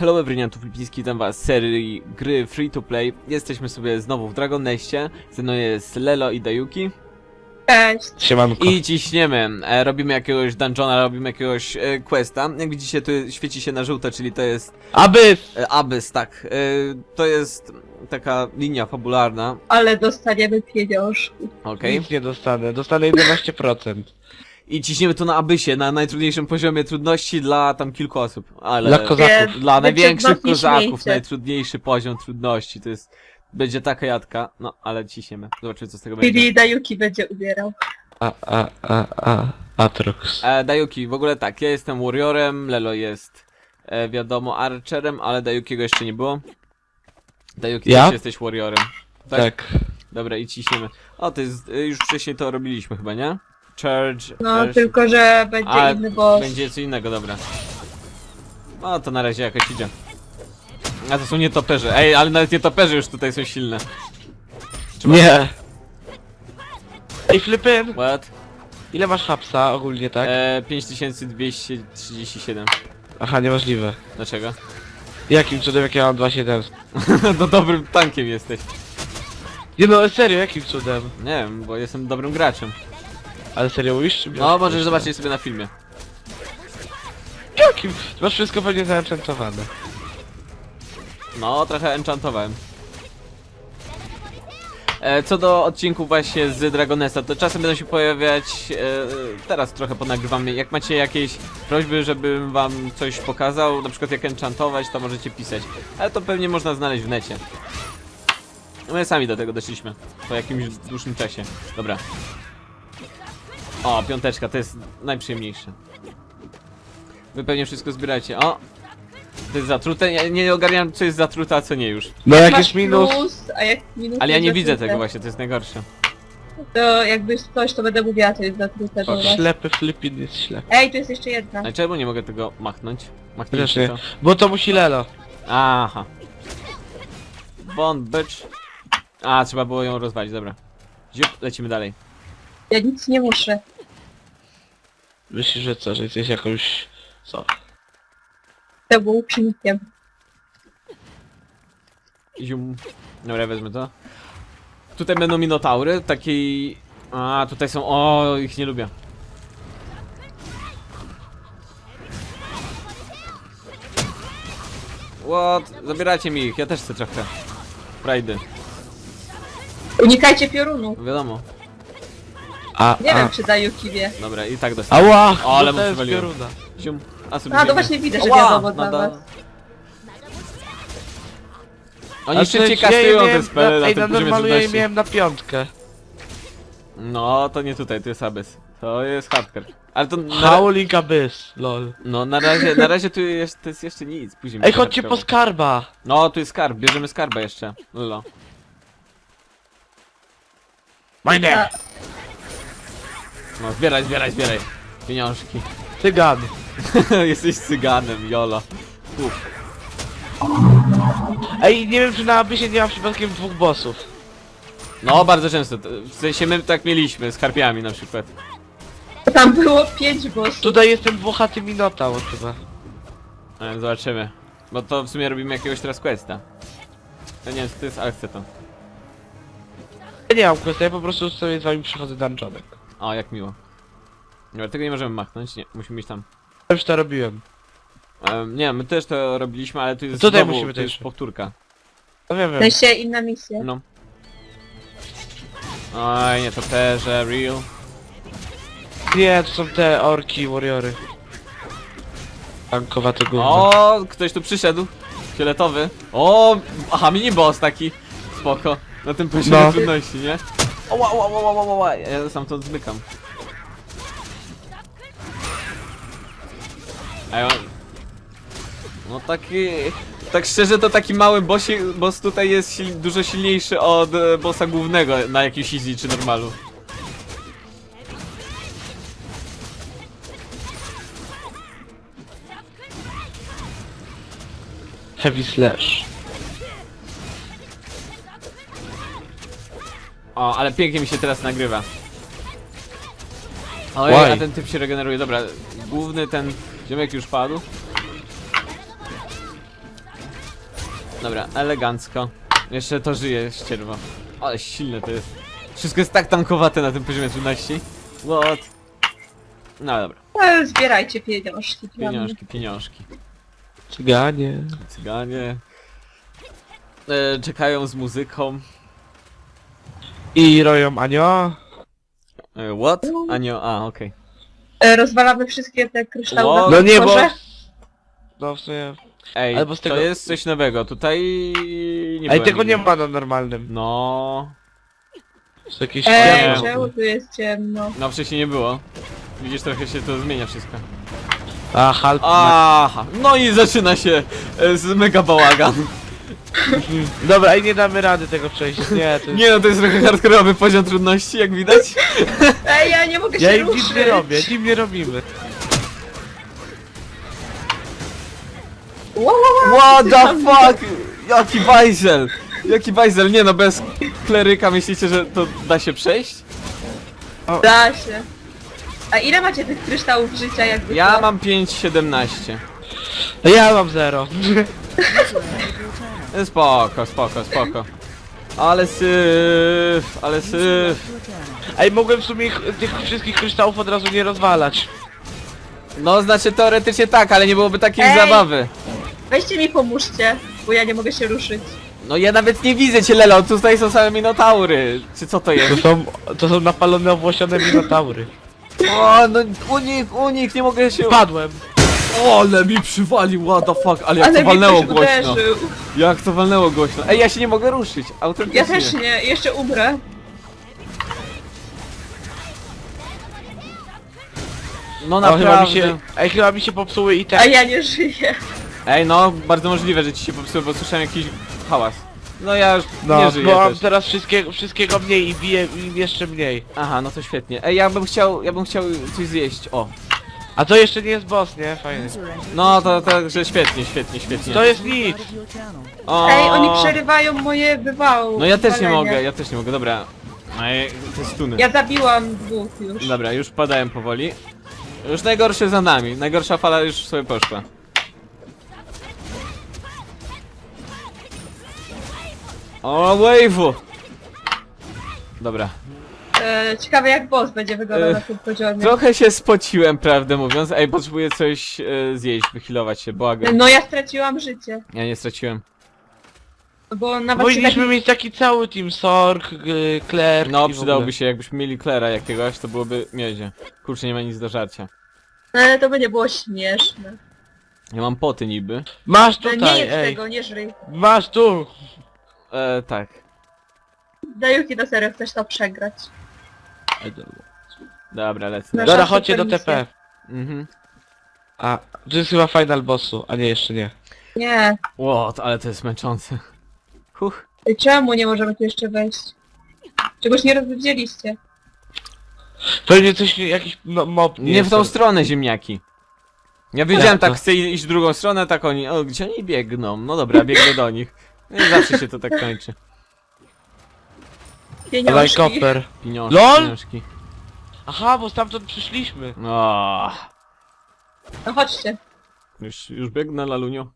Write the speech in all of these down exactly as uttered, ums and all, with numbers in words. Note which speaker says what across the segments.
Speaker 1: Hello everyone, tu Filipiński, witam was z serii gry Free to Play. Jesteśmy sobie znowu w Dragon Nestie. Ze mną jest Lelo i Dayuki.
Speaker 2: Cześć.
Speaker 3: Siemanko.
Speaker 1: I ciśniemy. E, robimy jakiegoś dungeona, robimy jakiegoś e, questa. Jak widzicie, tu świeci się na żółto, czyli to jest
Speaker 3: Abyss!
Speaker 1: e, Abyss, tak. E, to jest taka linia fabularna.
Speaker 2: Ale dostaniemy pieniążki.
Speaker 1: Okej.
Speaker 3: Nic nie dostanę, dostanę jedenaście procent.
Speaker 1: I ciśniemy tu na Abyssie, na najtrudniejszym poziomie trudności dla tam kilku osób. Ale
Speaker 3: Dla kozaków.
Speaker 1: dla największych
Speaker 2: Wytrudności
Speaker 1: kozaków
Speaker 2: śmiejcie.
Speaker 1: najtrudniejszy poziom trudności. To jest... Będzie taka jadka. No, ale ciśniemy. Zobaczymy, co z tego będzie.
Speaker 2: Czyli Dayuki będzie ubierał.
Speaker 3: A, a, a, a, Atrox.
Speaker 1: E, Dayuki, w ogóle tak, ja jestem warriorem, Lelo jest, e, wiadomo, archerem, ale Dayukiego jeszcze nie było. Dayuki,
Speaker 3: Ja?
Speaker 1: też jesteś warriorem. Tak?
Speaker 3: Tak.
Speaker 1: Dobra, i ciśniemy. O, to jest, e, już wcześniej to robiliśmy chyba, nie? Charge...
Speaker 2: No,
Speaker 1: e,
Speaker 2: tylko że będzie
Speaker 1: a,
Speaker 2: inny boss.
Speaker 1: będzie co innego, dobra. No, to na razie jakoś idzie. A to są nietoperze. Ej, ale nawet nietoperze już tutaj są silne. Trzeba-
Speaker 3: Nie. Ej, Flippin!
Speaker 1: What?
Speaker 3: Ile masz hapsa ogólnie, tak?
Speaker 1: E, pięć tysięcy dwieście trzydzieści siedem.
Speaker 3: Aha, niemożliwe.
Speaker 1: Dlaczego?
Speaker 3: Jakim cudem, jak ja mam dwa tysiące siedemset?
Speaker 1: No dobrym tankiem jesteś.
Speaker 3: Nie no, serio, jakim cudem?
Speaker 1: Nie wiem, bo jestem dobrym graczem.
Speaker 3: Ale serio mówisz? Czy
Speaker 1: No, możesz zobaczyć sobie na filmie.
Speaker 3: Jakim? Ty masz wszystko pewnie zaenchantowane.
Speaker 1: No, trochę enchantowałem. E, co do odcinków właśnie z Dragonesta, to czasem będą się pojawiać, e, teraz trochę ponagrywam, jak macie jakieś prośby, żebym wam coś pokazał, na przykład jak enchantować, to możecie pisać. Ale to pewnie można znaleźć w necie. My sami do tego doszliśmy, po jakimś dłuższym czasie. Dobra. O, piąteczka, to jest najprzyjemniejsze. Wy pewnie wszystko zbieracie. O! To jest zatrute, ja nie ogarniam, co jest zatrute, a co nie już.
Speaker 3: No jak
Speaker 2: Masz
Speaker 3: jest minus...
Speaker 2: Plus, a jak minus
Speaker 1: Ale ja
Speaker 2: jest
Speaker 1: nie widzę
Speaker 2: zatrute.
Speaker 1: tego właśnie, to jest najgorsze.
Speaker 2: To jakby coś, to będę mówiła, to jest zatrute.
Speaker 3: O,
Speaker 2: dobra.
Speaker 3: ślepy Flippin jest ślepy.
Speaker 2: Ej, tu jest jeszcze jedna.
Speaker 1: Ale czemu nie mogę tego machnąć? Machnijcie
Speaker 3: Wreszcie.
Speaker 1: to.
Speaker 3: Bo to musi Lelo.
Speaker 1: Aha. Von bitch. A, trzeba było ją rozwalić, dobra. Ziup, lecimy dalej.
Speaker 2: Ja nic nie muszę.
Speaker 3: Myślisz, że co, że jesteś jakąś... Co?
Speaker 2: To był uczynnikiem.
Speaker 1: Zium. Dobra, wezmę to. Tutaj będą minotaury, takiej... A, tutaj są... O, ich nie lubię. What? Zabieracie mi ich, ja też chcę trochę. Frajdy,
Speaker 2: Unikajcie piorunów.
Speaker 1: wiadomo.
Speaker 3: A,
Speaker 2: Nie
Speaker 3: a.
Speaker 2: wiem, czy Dayuki wie.
Speaker 1: Dobra, i tak dostałem.
Speaker 3: Ała!
Speaker 1: O, ale
Speaker 3: no
Speaker 1: mu
Speaker 3: to jest
Speaker 1: przywaliłem.
Speaker 3: pioruna.
Speaker 1: Zium. A, sobie
Speaker 2: A, to
Speaker 1: biegnie.
Speaker 2: właśnie widzę, że
Speaker 1: Ała,
Speaker 2: wiadomo dla
Speaker 1: nada-
Speaker 2: was.
Speaker 1: Oni
Speaker 3: A
Speaker 1: szybciej
Speaker 3: przecież ja je
Speaker 1: kastują te
Speaker 3: miałem
Speaker 1: spele
Speaker 3: na,
Speaker 1: na
Speaker 3: ej,
Speaker 1: tym
Speaker 3: na
Speaker 1: poziomie
Speaker 3: normalu ja je
Speaker 1: trudności.
Speaker 3: miałem na piątkę.
Speaker 1: No, to nie tutaj, to jest Abyss. To jest hardcore. Ale to na,
Speaker 3: Howling Abyss, lol.
Speaker 1: no na razie, na razie tu jest, to jest jeszcze nic, później
Speaker 3: Ej,
Speaker 1: będzie
Speaker 3: chodźcie po
Speaker 1: hardcore.
Speaker 3: skarba!
Speaker 1: No, tu jest skarb, bierzemy skarba jeszcze. Lolo.
Speaker 3: Mine!
Speaker 1: No, zbieraj, zbieraj, zbieraj. Pieniążki.
Speaker 3: Cygan!
Speaker 1: Jesteś cyganem, jolo. Uf.
Speaker 3: Ej, nie wiem, czy na Abyssie nie ma przypadkiem dwóch bossów.
Speaker 1: No, bardzo często. to- W sensie my tak mieliśmy, z karpiami na przykład.
Speaker 2: Tam było pięć bossów.
Speaker 3: Tutaj jest ten włochaty Minotaur chyba.
Speaker 1: Ale zobaczymy. Bo to w sumie robimy jakiegoś teraz questa. Ja nie wiem co to jest, ale chcę to.
Speaker 3: Ja nie mam questa, ja po prostu sobie z wami przychodzę dungeonek.
Speaker 1: O, jak miło. Dobra, tego nie możemy machnąć, nie, musimy iść tam.
Speaker 3: Ja już to robiłem.
Speaker 1: Um, nie, my też to robiliśmy, ale tu jest
Speaker 3: Tutaj
Speaker 1: znowu,
Speaker 3: musimy
Speaker 1: to jest
Speaker 3: też.
Speaker 1: powtórka.
Speaker 3: No wiem,
Speaker 2: W
Speaker 3: wiem.
Speaker 2: sensie inna misja.
Speaker 1: No. Oj, nie, to perze, real.
Speaker 3: Nie, to są te orki, warriory. Tankowate gówno.
Speaker 1: O, ktoś tu przyszedł. Fioletowy. O, aha, mini boss taki. Spoko. Na tym poziomie
Speaker 3: No.
Speaker 1: trudności, nie? O, ła, ła, ła, ła, ła, ła. Ja sam to zmykam. A ja... No taki... Tak szczerze to taki mały bossi, boss tutaj jest sil dużo silniejszy od e, bossa głównego na jakimś easy czy normalu.
Speaker 3: Heavy slash.
Speaker 1: O, ale pięknie mi się teraz nagrywa. Oj,
Speaker 3: Why?
Speaker 1: a ten typ się regeneruje. Dobra, główny ten ziomek już padł. Dobra, elegancko. Jeszcze to żyje ścierwo. Ale silne to jest. Wszystko jest tak tankowate na tym poziomie trudności. What? No dobra,
Speaker 2: E, Zbierajcie pieniążki. dla mnie.
Speaker 1: pieniążki, pieniążki.
Speaker 3: Cyganie.
Speaker 1: Cyganie. E, czekają z muzyką.
Speaker 3: I roją Anio.
Speaker 1: E, what? Anio, a okej.
Speaker 2: E, Rozwalamy wszystkie te kryształy
Speaker 1: O,
Speaker 2: na
Speaker 3: No nie, bo...
Speaker 2: podporze.
Speaker 3: No w sumie...
Speaker 1: Ej,
Speaker 3: Albo z tego-
Speaker 1: to jest coś nowego. Tutaj nie
Speaker 3: Ej,
Speaker 1: byłem
Speaker 3: tego nie
Speaker 1: nigdy.
Speaker 3: ma na normalnym.
Speaker 1: No,
Speaker 3: Są jakieś...
Speaker 2: Ej,
Speaker 1: Nie.
Speaker 2: czemu tu jest ciemno?
Speaker 1: no wcześniej nie było. Widzisz, trochę się to zmienia wszystko.
Speaker 3: A, halt.
Speaker 1: Aha, no i zaczyna się e, z mega bałagan.
Speaker 3: Dobra, i nie damy rady tego przejść. Nie, to jest...
Speaker 1: Nie no, to jest trochę hardkorowy poziom trudności, jak widać.
Speaker 2: Ej, ja nie mogę
Speaker 3: Ja
Speaker 2: się
Speaker 3: im nic
Speaker 2: ruszyć.
Speaker 3: nie robię, im nie robimy.
Speaker 2: Wow, wow, wow,
Speaker 1: What
Speaker 2: ty
Speaker 1: the
Speaker 2: tam-
Speaker 1: fuck? Jaki bajzel! Jaki bajzel? Nie no, bez kleryka myślicie, że to da się przejść?
Speaker 2: Da się. A ile macie tych kryształów życia jakby
Speaker 1: Ja
Speaker 2: to?
Speaker 1: mam pięć siedemnaście.
Speaker 3: A ja mam zero.
Speaker 1: Spoko, spoko, spoko. Ale syf, ale syf.
Speaker 3: Ej, mogłem w sumie ich, tych wszystkich kryształów od razu nie rozwalać.
Speaker 1: No znaczy teoretycznie tak, ale nie byłoby takiej
Speaker 2: Ej!
Speaker 1: zabawy.
Speaker 2: Weźcie mi pomóżcie, bo ja nie mogę się ruszyć.
Speaker 1: No ja nawet nie widzę cię, Lelo, tutaj są same minotaury. Czy co to
Speaker 3: To
Speaker 1: jest?
Speaker 3: są, to są napalone, owłosione minotaury.
Speaker 1: O, no unik, unik, nie mogę się...
Speaker 3: Padłem.
Speaker 1: O, ale mi przywalił, what the fuck, ale jak
Speaker 2: Ale
Speaker 1: to
Speaker 2: mi
Speaker 1: walnęło
Speaker 2: ktoś
Speaker 1: głośno.
Speaker 2: uderzył.
Speaker 1: Jak to walnęło głośno. Ej, ja się nie mogę ruszyć, autentycznie.
Speaker 2: Ja też nie, jeszcze umrę.
Speaker 1: No
Speaker 3: O, chyba mi
Speaker 1: naprawdę.
Speaker 3: się, ej, chyba mi się popsuły i
Speaker 2: A
Speaker 3: te...
Speaker 2: ja nie żyję.
Speaker 1: Ej, no, bardzo możliwe, że ci się popsuło, bo słyszałem jakiś hałas. No ja już nie
Speaker 3: No,
Speaker 1: żyję
Speaker 3: bo mam
Speaker 1: też.
Speaker 3: teraz wszystkiego, wszystkiego mniej i biję im jeszcze mniej.
Speaker 1: Aha, no to świetnie. Ej, ja bym chciał, ja bym chciał coś zjeść, o.
Speaker 3: A to jeszcze nie jest boss, nie? Fajnie.
Speaker 1: No, to także świetnie, świetnie, świetnie.
Speaker 3: To jest nic.
Speaker 1: O.
Speaker 2: Ej, oni przerywają moje wywały.
Speaker 1: No ja też nie
Speaker 2: wywalenia.
Speaker 1: mogę, ja też nie mogę, dobra. Ej, to jest stuny.
Speaker 2: Ja zabiłam dwóch już.
Speaker 1: Dobra, już padałem powoli. Już najgorsze za nami, najgorsza fala już sobie poszła. O, wave'u! Dobra.
Speaker 2: E, ciekawe jak boss będzie wyglądał
Speaker 1: E,
Speaker 2: na tym poziomie.
Speaker 1: Trochę się spociłem, prawdę mówiąc. Ej, potrzebuję coś e, zjeść, wychilować się, błagam.
Speaker 2: No ja straciłam życie,
Speaker 1: Ja nie straciłem.
Speaker 2: bo nawet się
Speaker 3: Powinniśmy
Speaker 2: tak...
Speaker 3: mieć taki cały team, Sork, y, Claire
Speaker 1: No,
Speaker 3: i w ogóle.
Speaker 1: przydałoby się, jakbyśmy mieli Klera jakiegoś, to byłoby miedzie. Kurczę, nie ma nic do żarcia.
Speaker 2: Ale to by nie było śmieszne.
Speaker 1: Ja mam poty niby.
Speaker 3: Masz
Speaker 2: Ale nie
Speaker 3: tutaj,
Speaker 2: jedz
Speaker 3: ej.
Speaker 2: tego, nie żryj.
Speaker 3: Masz tu.
Speaker 1: E, tak.
Speaker 2: Dajuki, do serio chcesz to przegrać.
Speaker 1: Dobra, lecę.
Speaker 2: Nasza
Speaker 3: Dobra, chodźcie do T
Speaker 2: supermisja.
Speaker 3: P.
Speaker 1: Mhm.
Speaker 3: A, to jest chyba final bossu, a nie, jeszcze nie.
Speaker 2: Nie.
Speaker 1: Ło, ale to jest męczące. Huch.
Speaker 2: Ej, czemu nie możemy tu jeszcze wejść? Czegoś nie rozwiedzieliście.
Speaker 3: Pewnie coś, jakiś no, mob nie,
Speaker 1: Nie w
Speaker 3: jest.
Speaker 1: tą stronę, ziemniaki. Ja wiedziałem,
Speaker 3: Jak to?
Speaker 1: tak chcę iść w drugą stronę, tak oni, o, gdzie oni biegną? No dobra, biegnę do nich. No i zawsze się to tak kończy.
Speaker 2: Pieniążki.
Speaker 3: Lajkoper.
Speaker 1: Pieniążki,
Speaker 3: LOL?
Speaker 1: pieniążki.
Speaker 3: Aha, bo stamtąd przyszliśmy.
Speaker 1: O,
Speaker 2: No chodźcie.
Speaker 1: już, już biegnę, lalunio.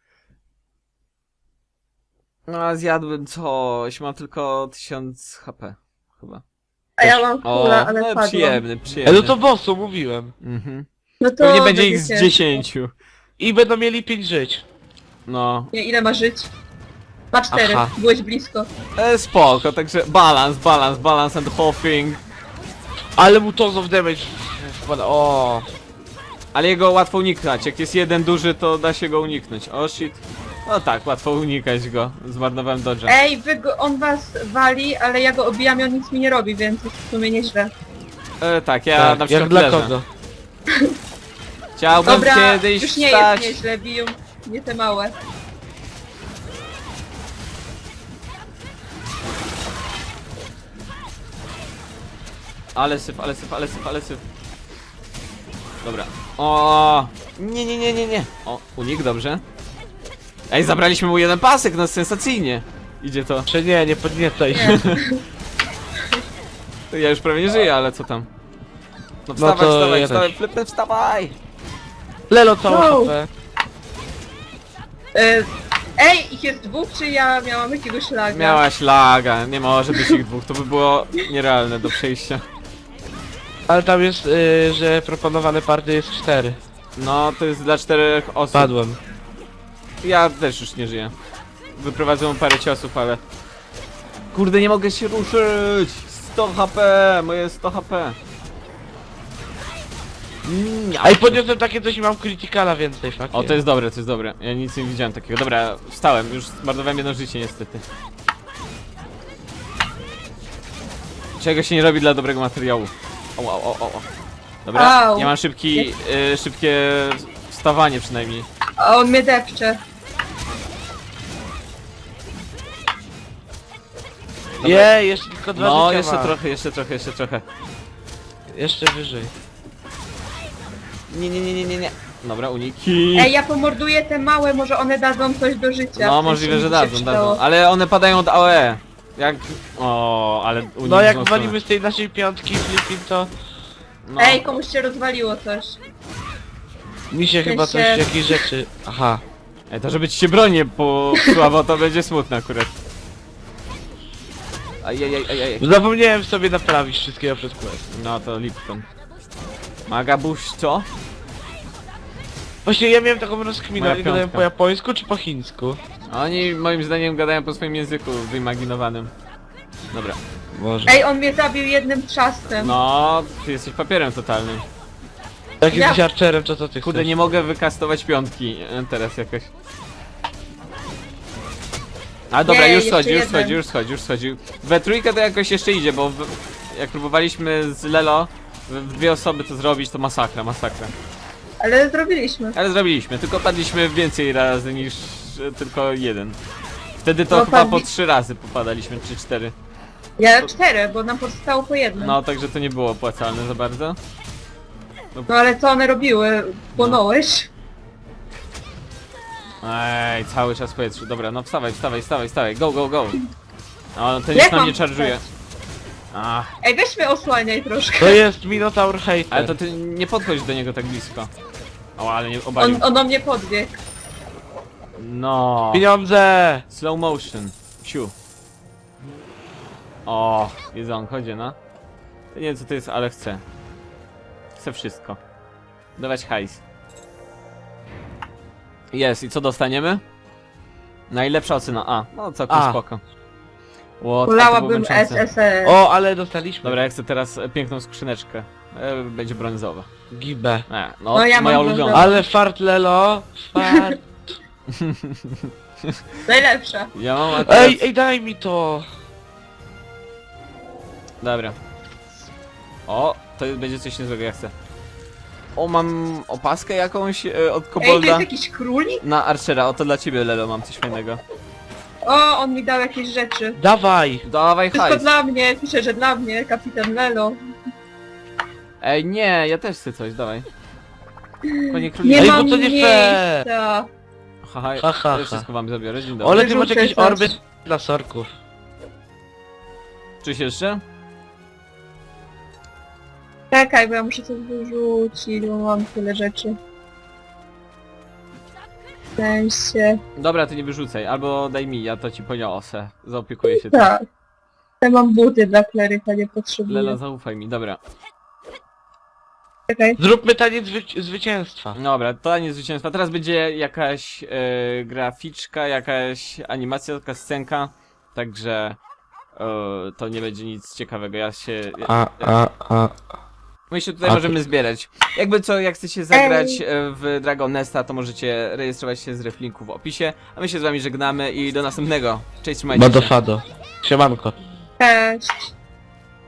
Speaker 1: No, a zjadłem coś, mam tylko tysiąc H P, chyba.
Speaker 2: A ja mam
Speaker 1: O,
Speaker 2: kula, ale
Speaker 1: no
Speaker 2: padłam.
Speaker 1: przyjemny,
Speaker 3: E,
Speaker 1: przyjemny.
Speaker 3: no to bossu, mówiłem.
Speaker 1: Mhm.
Speaker 2: No to
Speaker 1: Pewnie będzie ich z
Speaker 2: ciężko.
Speaker 1: dziesięciu.
Speaker 3: I będą mieli pięć żyć.
Speaker 1: No,
Speaker 2: Nie, ile ma żyć? Ma cztery,
Speaker 3: Aha.
Speaker 2: byłeś blisko.
Speaker 1: e, spoko, także balans, balans, balans and hopping.
Speaker 3: Ale mu tons of damage wpada. O.
Speaker 1: Ale jego łatwo uniknąć, jak jest jeden duży, to da się go uniknąć. O shit. No tak, łatwo unikać go. Zmarnowałem dodge'a.
Speaker 2: Ej, wy go, on was wali, ale ja go obijam i on nic mi nie robi, więc jest w sumie nieźle.
Speaker 1: E, tak, ja
Speaker 3: Tak,
Speaker 1: na
Speaker 3: jak
Speaker 1: przykład
Speaker 3: dla
Speaker 1: leżę.
Speaker 3: kogo?
Speaker 1: Chciałbym
Speaker 2: Dobra,
Speaker 1: kiedyś
Speaker 2: już nie
Speaker 1: wstać.
Speaker 2: jest nieźle, biją nie te małe.
Speaker 1: Ale syf, ale syf, ale syf, ale syf. Dobra. O, nie, nie, nie, nie, nie. O, unik, dobrze. Ej, zabraliśmy mu jeden pasek, no sensacyjnie. Idzie to.
Speaker 3: Czy nie, nie podniecaj się.
Speaker 2: Nie.
Speaker 1: Ja już prawie nie żyję, ale co tam? No
Speaker 3: No
Speaker 1: wstawaj,
Speaker 3: to
Speaker 1: wstawaj,
Speaker 3: ja
Speaker 1: wstawaj,
Speaker 3: też.
Speaker 1: flipy, wstawaj!
Speaker 3: Lelo całe
Speaker 2: Wow.
Speaker 3: H P.
Speaker 2: E, Ej, ich jest dwóch, czy ja miałam jakiegoś laga?
Speaker 1: Miałaś laga, nie może być ich dwóch, to by było nierealne do przejścia.
Speaker 3: Ale tam jest, y, że proponowane party jest cztery.
Speaker 1: No, to jest dla czterech osób.
Speaker 3: Padłem.
Speaker 1: Ja też już nie żyję. Wyprowadzę parę ciosów, ale... Kurde, nie mogę się ruszyć! sto H P! Moje sto H P! Mm,
Speaker 3: A i podniosłem takie coś i mam criticala więcej, faktycznie.
Speaker 1: O, to jest dobre, to jest dobre. Ja nic nie widziałem takiego. Dobra, wstałem, już zmarnowałem jedno życie niestety. Czego się nie robi dla dobrego materiału. O, o, o, o, o. Dobra,
Speaker 2: Au.
Speaker 1: ja mam szybki, y, szybkie wstawanie przynajmniej.
Speaker 2: A on mnie depcze.
Speaker 3: Jej, jeszcze tylko dwa
Speaker 1: No,
Speaker 3: życia
Speaker 1: jeszcze
Speaker 3: ma.
Speaker 1: trochę, jeszcze trochę, jeszcze trochę.
Speaker 3: Jeszcze wyżej.
Speaker 1: Nie, nie, nie, nie, nie, nie. Dobra, uniki.
Speaker 2: Ej, ja pomorduję te małe, może one dadzą coś do życia.
Speaker 1: No,
Speaker 2: W sensie
Speaker 1: możliwe,
Speaker 2: mi
Speaker 1: że
Speaker 2: się
Speaker 1: dadzą,
Speaker 2: przydało.
Speaker 1: dadzą. Ale one padają od A O E. Jak... O, ale unik
Speaker 3: No jak
Speaker 1: wzmocniony.
Speaker 3: walimy z tej naszej piątki flipping, to
Speaker 1: No.
Speaker 2: Ej, komuś się rozwaliło coś.
Speaker 3: mi się chyba coś,
Speaker 2: się-
Speaker 3: jakieś rzeczy... Aha.
Speaker 1: Ej, to żeby ci się bronię popsuła, bo to będzie smutne akurat. Ajajaj, ajaj.
Speaker 3: Zapomniałem sobie naprawić wszystkiego przez quest.
Speaker 1: No to Lipton. Magabuś, co?
Speaker 3: Właśnie ja miałem taką rozkminę,
Speaker 1: Moja
Speaker 3: oni gadają
Speaker 1: piątka.
Speaker 3: po japońsku czy po chińsku?
Speaker 1: Oni moim zdaniem gadają po swoim języku wyimaginowanym. Dobra.
Speaker 3: Może.
Speaker 2: Ej, on mnie zabił jednym trzastem.
Speaker 1: No, ty jesteś papierem totalnym.
Speaker 3: Jak
Speaker 2: Ja-
Speaker 3: jesteś archerem, to co ty
Speaker 1: Kurde,
Speaker 3: chcesz?
Speaker 1: nie mogę wykastować piątki e, teraz jakoś. A dobra,
Speaker 2: Nie,
Speaker 1: już
Speaker 2: jeszcze
Speaker 1: schodzi, już
Speaker 2: jeden.
Speaker 1: schodzi, już schodzi, już schodzi. We trójkę to jakoś jeszcze idzie, bo w, jak próbowaliśmy z Lelo w, w dwie osoby to zrobić, to masakra, masakra.
Speaker 2: Ale zrobiliśmy.
Speaker 1: Ale zrobiliśmy, tylko padliśmy więcej razy niż e, tylko jeden. Wtedy to
Speaker 2: No,
Speaker 1: chyba po
Speaker 2: padli-
Speaker 1: trzy razy popadaliśmy, czy cztery.
Speaker 2: Ja cztery, bo nam pozostało po jednym. No,
Speaker 1: No, także to nie było opłacalne za bardzo.
Speaker 2: ale co one robiły? Płonąłeś?
Speaker 1: Ej, cały czas w powietrzu. Dobra, no wstawaj, wstawaj, wstawaj, wstawaj. Go, go, go. O, ten
Speaker 2: Jak
Speaker 1: już na
Speaker 2: mam
Speaker 1: mnie czarżuje.
Speaker 2: wstać?
Speaker 1: Ach,
Speaker 2: Ej, weź mnie osłaniaj troszkę.
Speaker 3: To jest Minotaur hater.
Speaker 1: ale to ty nie podchodź do niego tak blisko. O, ale nie obalił.
Speaker 2: On, on do mnie podbiegł.
Speaker 1: No.
Speaker 3: Pieniądze!
Speaker 1: Slow motion. Siu. O, jedzonko, chodzi, no. Ja nie wiem co to jest, ale chcę. Chcę wszystko. Dawać hajs. Jest, i co dostaniemy? Najlepsza ocena. A, no całkiem
Speaker 3: A.
Speaker 1: spoko. Ło, to było
Speaker 2: Wolałabym S
Speaker 1: męczące.
Speaker 2: S S.
Speaker 3: O, ale dostaliśmy.
Speaker 1: Dobra, ja chcę teraz e, piękną skrzyneczkę. E, będzie brązowa.
Speaker 3: Gibę.
Speaker 1: E, no,
Speaker 2: No, ja
Speaker 1: moja
Speaker 2: mam
Speaker 1: ulubiona.
Speaker 2: brązową.
Speaker 3: Ale fart Lelo, fart.
Speaker 2: Najlepsza.
Speaker 1: Ja mam a teraz...
Speaker 3: Ej, ej, daj mi to!
Speaker 1: Dobra. O, to będzie coś niezłego, ja chcę. O, mam opaskę jakąś e, od
Speaker 2: Ej, to
Speaker 1: kobolda.
Speaker 2: jest jakiś królik?
Speaker 1: Na Archera, o to dla ciebie, Lelo, mam coś fajnego.
Speaker 2: O, on mi dał jakieś rzeczy.
Speaker 3: Dawaj!
Speaker 1: Dawaj
Speaker 2: Wszystko
Speaker 1: hajs.
Speaker 2: dla mnie, pisze, że dla mnie, kapitan Lelo.
Speaker 1: Ej, nie, ja też chcę coś, dawaj. Panie
Speaker 2: Nie
Speaker 1: króliku.
Speaker 3: Ej, bo
Speaker 2: mam
Speaker 3: to nie fair.
Speaker 2: miejsca.
Speaker 1: Haha,
Speaker 3: Ha, ha,
Speaker 1: ja
Speaker 3: ha.
Speaker 1: wszystko wam zabiorę, dzień dobry.
Speaker 3: Ole, ty masz
Speaker 2: Wyrzucę
Speaker 3: jakieś
Speaker 2: coś.
Speaker 3: orby dla sorków.
Speaker 1: Czyś jeszcze?
Speaker 2: Czekaj, bo ja muszę coś wyrzucić, bo mam tyle rzeczy. W sensie...
Speaker 1: Dobra, to nie wyrzucaj, albo daj mi, ja to ci poniosę. Zaopiekuję się tym.
Speaker 2: Tak. Ja mam buty dla kleryka, nie potrzebuję.
Speaker 1: Lelo, zaufaj mi, dobra.
Speaker 2: Czekaj.
Speaker 3: Zróbmy taniec zwy zwycięstwa.
Speaker 1: Dobra, to nie zwycięstwa. Teraz będzie jakaś e, graficzka, jakaś animacja, taka scenka. Także e, to nie będzie nic ciekawego. Ja się.
Speaker 3: A, a, a.
Speaker 1: My się tutaj
Speaker 3: A,
Speaker 1: możemy zbierać. Jakby co, jak chcecie zagrać e, w Dragon Nesta, to możecie rejestrować się z ref linku w opisie. A my się z wami żegnamy i do następnego. Cześć, trzymajcie się.
Speaker 3: Bado fado. Siemanko.
Speaker 2: Cześć.